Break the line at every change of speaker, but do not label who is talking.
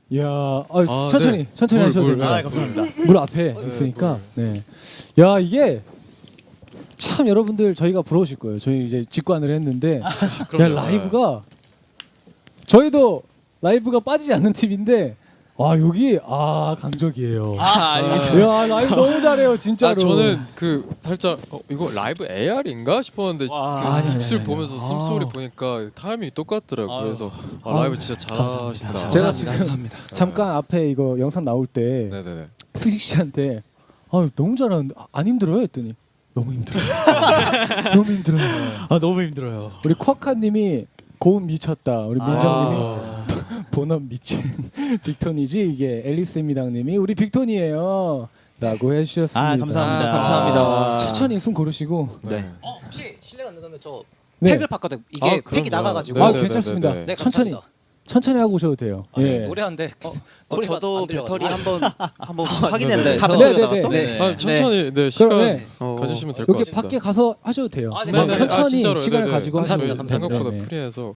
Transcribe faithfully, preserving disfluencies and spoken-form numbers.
야, 아,
아,
천천히
네.
천천히
물,
하셔도
물.
됩니다.
아, 감사합니다.
물 앞에 있으니까. 네. 야, 이게 참 여러분들 저희가 부러우실 거예요. 저희 이제 직관을 했는데 야,
그럼요.
라이브가 저희도 라이브가 빠지지 않는 팀인데 와, 여기 아, 강적이에요.
아, 아닙니다.
야, 라이브 너무 잘해요, 진짜로.
아 저는 그 살짝 어, 이거 라이브 에이알인가 싶었는데
와.
그
아니, 아니,
입술
아니,
보면서
아니.
숨소리
아.
보니까 타이밍이 똑같더라고.
아유.
그래서 아,
아유,
라이브 진짜 잘하신다.
감사합니다.
제가
감사합니다.
지금
감사합니다.
잠깐 앞에 이거 영상 나올 때
네네네.
수직 씨한테 아, 너무 잘하는데 아, 안 힘들어요? 했더니 너무 힘들어요. 너무 힘들어요.
아, 너무 힘들어요.
우리 쿼카님이 고음 미쳤다. 우리 민정님이
아.
본업 미친 빅톤이지 이게 앨리스입니다님이 우리 빅톤이에요. 라고 해주셨습니다.
아, 감사합니다.
아, 감사합니다.
천천히 숨 고르시고.
네.
어 혹시 실례가 안 된다면 저
네.
팩을 바꿔도 이게
아,
팩이
그럼요.
나가가지고
네,
아,
네,
괜찮습니다.
네, 네,
네,
천천히
감사합니다.
천천히 하고 오셔도 돼요.
아, 네,
예.
노래하는데 어,
어,
노래가
저도
안 들려가지고.
배터리 한번 한번
네,
확인했다
네.
해서
네, 네, 네.
네.
아, 천천히 네 시간
그러면
어,
가지시면 될 것
여기
같습니다.
밖에 가서 하셔도 돼요.
아, 네,
그냥
맞아요.
천천히
아, 진짜로.
시간을
네네.
가지고
감사합니다,
하시면
저희
감사합니다.
생각보다
네, 네.
프리해서